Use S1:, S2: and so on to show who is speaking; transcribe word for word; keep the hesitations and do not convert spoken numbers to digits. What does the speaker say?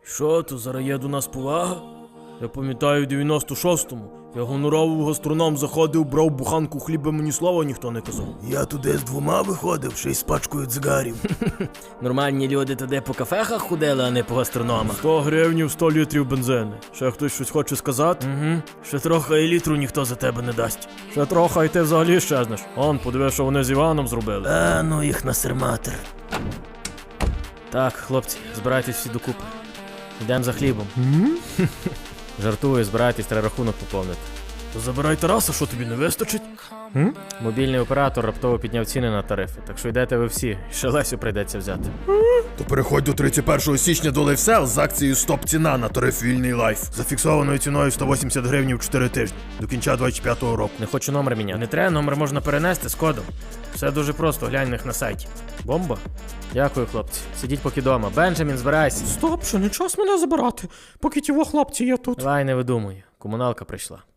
S1: Що, то зараз є до нас повага? Я пам'ятаю, в дев'яносто шостому я гоноровий гастроном заходив, брав буханку хліба, мені слова ніхто не казав.
S2: Я туди з двома виходив, ще й з пачкою цигарів.
S1: Нормальні люди туди по кафехах ходили, а не по гастрономах. сто гривнів, сто літрів бензину. Ще хтось щось хоче сказати? Угу. Ще трохи і літру ніхто за тебе не дасть. Ще трохи і ти взагалі щезнеш. Он, подиви, що вони з Іваном зробили.
S2: А, ну їх насерматер.
S1: Так, хлопці, збирайтесь всі докупи. Йдемо за хлібом. Жартую, збирайтесь, треба рахунок поповнити. То забирай Тараса, що тобі не вистачить? М? Мобільний оператор раптово підняв ціни на тарифи, так що йдете ви всі, ще Лесю прийдеться взяти.
S2: То переходь до тридцять першого січня до LiveSell з акцією стоп-ціна на тариф вільний лайф. За фіксованою ціною сто вісімдесят гривень в чотири тижні. До кінця двадцять п'ятого року.
S1: Не хочу номер міняти. Не треба, номер можна перенести з кодом. Все дуже просто, глянь них на сайті. Бомба? Дякую, хлопці. Сидіть поки дома. Бенджамін, збирайся.
S3: Стоп, що не час мене забирати, поки ті во хлопці є тут.
S1: Давай, не видумуй. Комуналка прийшла.